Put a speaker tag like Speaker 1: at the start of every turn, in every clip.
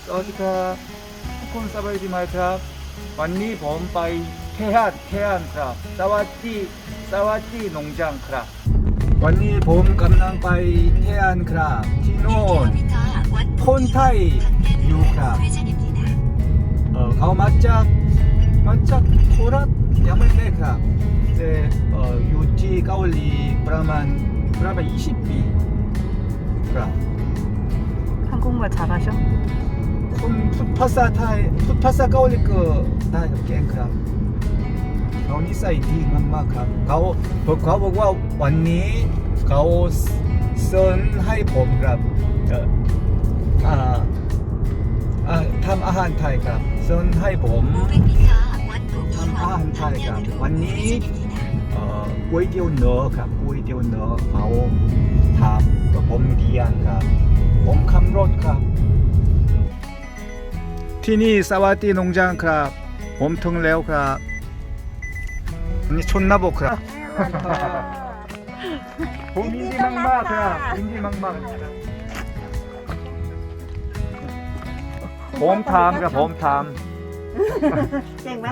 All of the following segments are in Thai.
Speaker 1: สวัสดีครับทุกคนสบายดีไหมครับวันนี้ผมไปเที่ยวครับสวัสดี농장ครับวันนี้ผมกำลังไปเที่ยวครับที่โน่นคนไทยอยู่ครับเขามาจากโคราชยังไม่ได้ครับแต่อยู่ที่เกาหลีประมาณ20ปีครับ
Speaker 2: 한국말 잘하셔?
Speaker 1: คุณพูดภาษาไทยพูดภาษาเกาหลีก็ได้ครับเก่งครับเขานิสัยดีมากๆครับเขาบอกว่าวันนี้เขาสอนให้ผมครับทำอาหารไทยครับสอนให้ผมทำอาหารไทยครับวันนี้ก๋วยเตี๋ยวเนื้อครับก๋วยเตี๋ยวเนื้อเขาทำกับผมเรียนครับผมขับรถครับที่นี่สวัสดี농장ครับผมถึงแล้วครับนี่ชนนาบกครับผมยินดีมากๆครับยินดีมากๆครับผมทำครับผมท
Speaker 2: เก่งไหม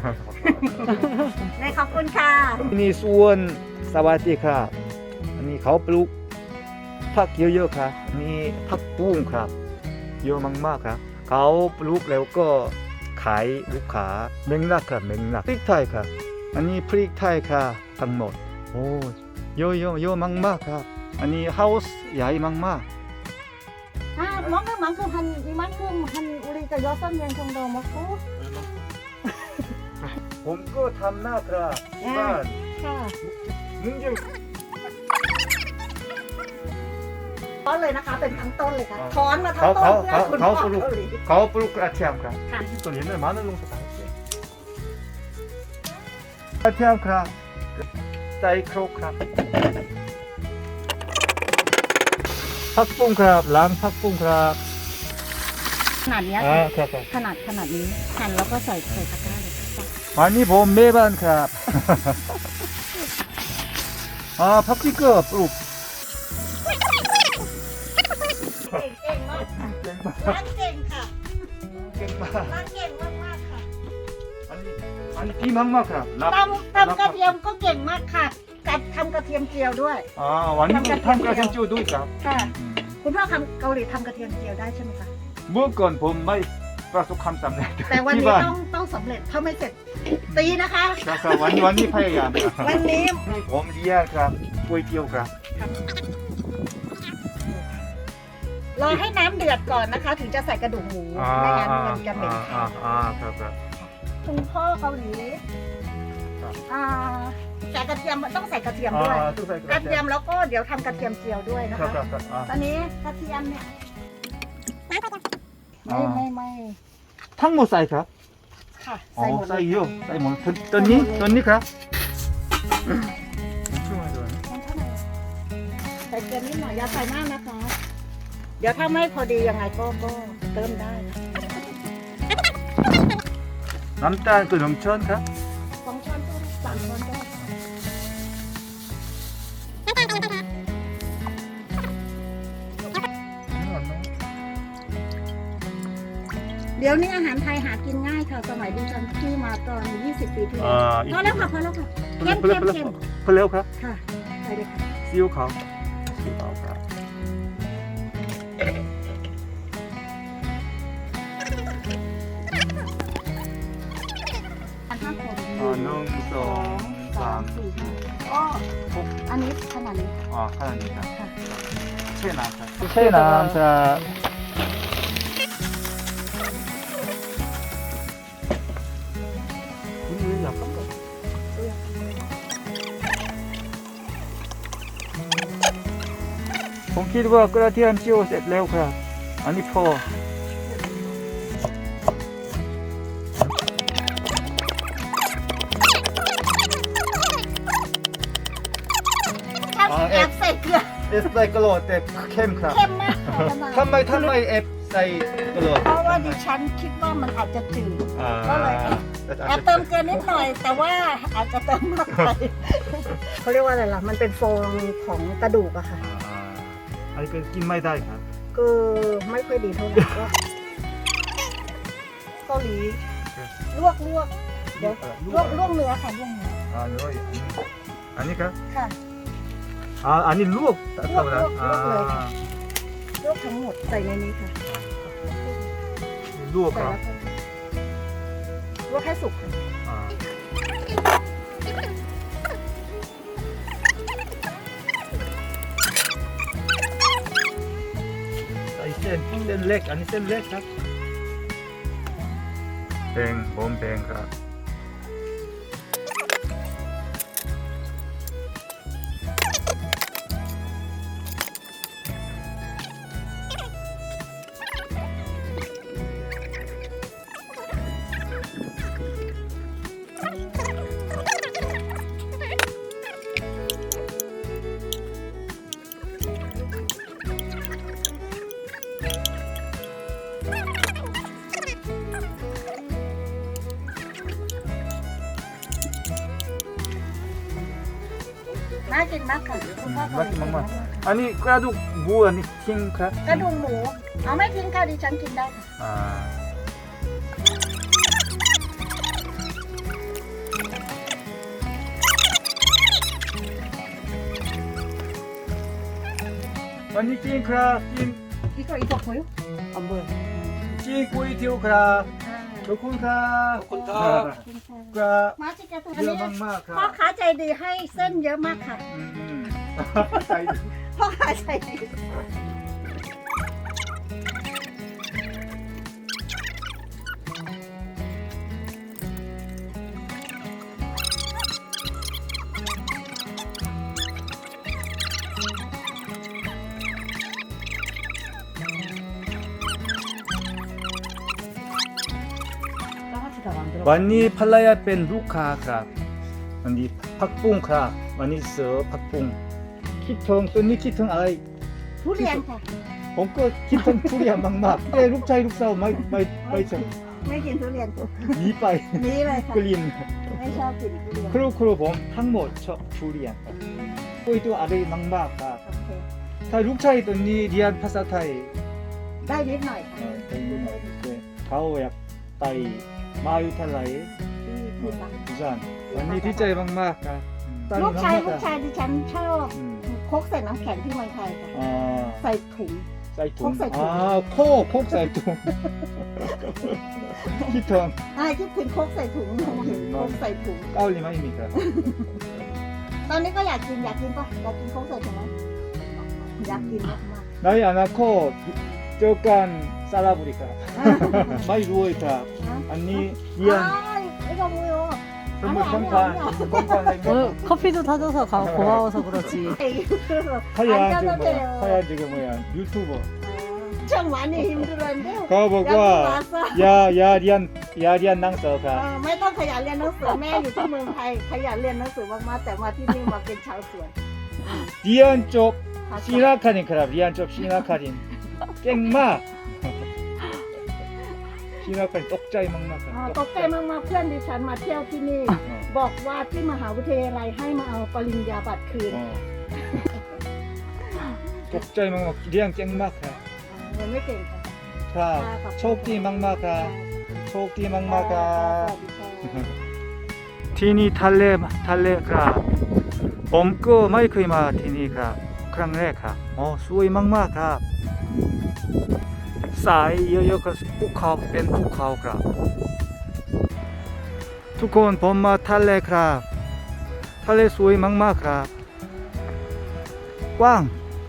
Speaker 2: ได้ขอบคุณค่ะ
Speaker 1: ำที่นี่สวนสวัสดีครับอันนี้เขาปลูกผักเยอะๆครับนี่ผักบุ้งครับเยอะมากๆครับเขาปลูกแล้วก็ขายลูกค้าแมงลักครับแมงลักพริกไทยครับอันนี้พริกไทยครับทั้งหมดโอ้เยอะมากๆครับอันนี้เฮาส์ใหญ่มาก
Speaker 2: 먹는 이만큼 한 우리가 6명 정도 먹고
Speaker 1: ๆผมก็ทำหน้าครับที่บ้าน
Speaker 2: ค่ะ
Speaker 1: มึงจะ
Speaker 2: ต้นเลยนะคะเป็นทั้งต้นเลยค่ะถอนมาทั้งต้นเพื่อคุณพ่อเกาหลี
Speaker 1: เขาปลูกกระเทียมครับ
Speaker 2: ค่ะ
Speaker 1: ตัวนี้เนี่ย많은 농사 다 했어요กระเทียมครับใส่ครกครับผักบุ้งครับล้างผักบุ้งครับ
Speaker 2: ขนาดนี้
Speaker 1: ครับ
Speaker 2: ขนาดนี้หั่นแล้วก็ใส่ตะกร้าเลยค่ะ
Speaker 1: วันนี้ผมแม่บ้านครับ ผักชีก็ปลูก
Speaker 2: เก่งมาก
Speaker 1: เก่งมาก
Speaker 2: ร้านเก่งค่ะ
Speaker 1: เก่งมาก
Speaker 2: ร้านเก่งมากๆค่ะ
Speaker 1: อันนี้ดีมากๆครับ
Speaker 2: ตำกระเทียมก็เก่งมากค่ะการทำกระเทียมเจียวด้วย
Speaker 1: วันนี้ทำกระเทียมเจียวด้วยครับ
Speaker 2: ค่ะ คุณพ่อเกาหลีทำกระเทียมเจียวได้ใช่ไหมคะ
Speaker 1: เมื่อก่อนผมไม่ประสบความสำเร็จ
Speaker 2: แต่วัน
Speaker 1: ที่
Speaker 2: นี้
Speaker 1: บ้าน
Speaker 2: ต้องสำเร็จถ้าไม่เสร็จตีนะคะ
Speaker 1: ครับวันนี้พยายามครับ
Speaker 2: วันนี้
Speaker 1: ผมเรียนครับก๋วยเตี๋ยวครับ
Speaker 2: รอให้น้ำเดือดก่อนนะคะ ถึงจะใส่กระดูกหมูไม่งั้นมันจะเหม็นคาว
Speaker 1: ครับ
Speaker 2: คุณพ่อเกาหลี
Speaker 1: ครับ
Speaker 2: ใส่กระเทียมต้องใส่กระเทียมด้วย
Speaker 1: ทุกใส่
Speaker 2: กระเทียมแล้วก็เดี๋ยวทำกระเทียมเจียวด้วยนะ
Speaker 1: ครั
Speaker 2: คะ
Speaker 1: บ
Speaker 2: ตอนนี้กระเทียมเนี่ยไม่
Speaker 1: ทั้งหมดใส่ครับ
Speaker 2: ค่ะใส่หมด
Speaker 1: ใส่เยอะใส่หมดตัวนี้ครับ
Speaker 2: ใส่เกลือนิดหน่อยอย่าใส่มากนะคะ เดี๋ยวถ้าไม่พอดียังไงก็เติมได้นะ
Speaker 1: น้ำตาลก็1 ช้อนครับ
Speaker 2: 2 ช้อนก็3 ช้อนก็เดี๋ยวนี้อาหารไทยหากินง่ายค่ะ สมัยดิฉันที่มาตอน20 ปีที่แล้วพอแล้วค่ะเข้ม
Speaker 1: เพิ่มแล้วครับ
Speaker 2: ค่ะใส่เลยค่ะ
Speaker 1: ซีอิ๊วขาวครับ
Speaker 2: อัน5 คน
Speaker 1: 1, 2, 3
Speaker 2: 4 5ก็อันนี้ขนาดนี้
Speaker 1: ขนาดนี้ครับ
Speaker 2: ค่ะ
Speaker 1: เช่น้ำครับเช่น้ำจะคุณเรียนอยากทำอะไรผมคิดว่ากระเทียมเจียวเสร็จแล้วครับอันนี้พอ
Speaker 2: แอบใส่เกลือ
Speaker 1: ใส่กระโหลกแต่เข้มครับ
Speaker 2: เข้มมากค่ะ
Speaker 1: ทำไมแอบใส่กระโหลก
Speaker 2: เพราะว่าดิฉันคิดว่ามันอาจจะจืด ก็เลยแอบเติมเกลือนิดหน่อย แต่ว่าอาจจะเติมมากไปเขาเรียกว่าอะไรล่ะ มันเป็นฟองของกระดูกอะค่ะ
Speaker 1: อันนี้ก็กินไม่ได้ครับ
Speaker 2: ก็ไม่ค่อยดีเท่าไหร่ก็าหลีลวกเดี๋ยวลวกเนื้อค่ะลวกเนื้อ
Speaker 1: 아, 너 아니까?
Speaker 2: ค่ะ
Speaker 1: 아, 아니 루옥 따뜻하다.
Speaker 2: 루옥,
Speaker 1: 아,
Speaker 2: ลวกทั้งหมดใส่ในนี้ค่ะ
Speaker 1: 루옥.
Speaker 2: ใส่แล้วก็ลวกให้สุกค่ะ
Speaker 1: 아. 이 센렉 아니 센렉 ครับแบงบอมแบงครับ
Speaker 2: น่ากินมากค่ะคุณพ่อ
Speaker 1: น่ากินมากๆ 아니 그래도 뭐 아니 킹ครับ
Speaker 2: กระดูกหมูเอาไม่ทิ้งค่ะดิฉันกินได้ค่ะ
Speaker 1: 아. 아니 킹ครับ 킹
Speaker 2: อีกคนอีกคนคุยอ๋อเบอร์
Speaker 1: 킹 꼬이티오ครับขอบคุณครับขอบคุณครับครับ
Speaker 2: มาจิกาตัว
Speaker 1: เย
Speaker 2: นี้
Speaker 1: อะมากๆครั
Speaker 2: พ่อบ ค้าใจดีให้เส้นเยอะมากค่ะ
Speaker 1: ใจดี
Speaker 2: พ่อค้าใจดี
Speaker 1: วันนี้ภรรยาเป็นลูกค้าครับวันนี้ผักบุ้งครับวันนี้เสือผักบุ้งคิดถึงตัวนี้คิดถึงอะไร
Speaker 2: ทุเรียนค่ะ
Speaker 1: ผมก็คิดถึงทุเรียนมากๆแต่ลูกชายลูกสาวไม่ชอบ
Speaker 2: ไม่กินทุเรียน
Speaker 1: หนีไป
Speaker 2: นี่เลยค่ะ
Speaker 1: กลิ่น
Speaker 2: ไม่ชอบกินทุเรียน
Speaker 1: ครูผมทั้งหมดชอบทุเรียนครับคุยตัวอะไรมากๆครับ
Speaker 2: โอเค
Speaker 1: ถ้าลูกชายตัวนี้เรียนภาษาไทย
Speaker 2: ได้นิดหน่อยค่ะ
Speaker 1: เขาอยากไปมหาวิทยาลัย
Speaker 2: ที่พูดละ
Speaker 1: บุษานวันนี้ดีใจมากๆครับ
Speaker 2: ลูกชายดิฉันชอบ
Speaker 1: อืม
Speaker 2: โคกใส่น้ำแข็งที่เมืองไทยค่ะ
Speaker 1: อ่า
Speaker 2: ใส่ถุง
Speaker 1: ใส่ถุง
Speaker 2: โคกใส่ถุง
Speaker 1: โคกใส่ถุงคิดถึง
Speaker 2: คิดถึงโคกใส่ถุงโคกใส่ถุง
Speaker 1: เกาหลีไหมมีครับ
Speaker 2: ตอนนี้ก็อยากกินปะอยากกินโคกใส่ถุงไหมอยากกินมาก
Speaker 1: 나이안하고저간살아보니까 많이 누워있다
Speaker 2: ๆนะ
Speaker 1: 아니
Speaker 2: อ้า
Speaker 1: 미안
Speaker 2: ไอ้กมูโย
Speaker 1: 선물
Speaker 2: 아니,
Speaker 1: 건판
Speaker 3: 커피도 타줘서 고마워서 그렇지.
Speaker 1: 하얀
Speaker 2: 안
Speaker 1: 지금
Speaker 2: 짜도 돼요.
Speaker 1: 뭐야 하얀 지금 뭐야 유튜버
Speaker 2: ช่างหวานนี่หิมดูเรนเด้อ
Speaker 1: 가보고 야리안 낭서가
Speaker 2: ไม่ต้องขยันเรียนหนังสือแม่อยู่ที่เมืองไทยขยันเรียนหนังสือมากๆแต่มาที่นี่มาเป็นชาวสวน
Speaker 1: 리안 쪽 시나카린 그라 리안 쪽 시나카린 깽마 시나카린 떡자이 막막
Speaker 2: ตกใจมากๆเพื่อนดิฉันมาเที่ยวที่นี่ บอกว่าที่มหาวิทยาลัยให้มาเอาปริญญาบัตรคืน
Speaker 1: 떡자이 막막 리안 깽마카
Speaker 2: ยังไม่เก่งค่ะ
Speaker 1: 자 초기 막마카 초기 막마카 ที่นี่ทะเลครับผมก็ไม่เคยมาที่นี่ครับครั้งแรกครับสวยมากๆครับสายเยอะๆก็ภูเขาเป็นภูเขาครับทุกคนผมมาทะเลครับทะเลสวยมากๆครับกว้าง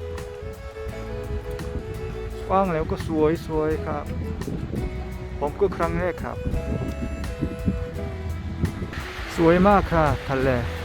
Speaker 1: แล้วก็สวยครับผมก็ครั้งแรกครับสวยมากครับทะเล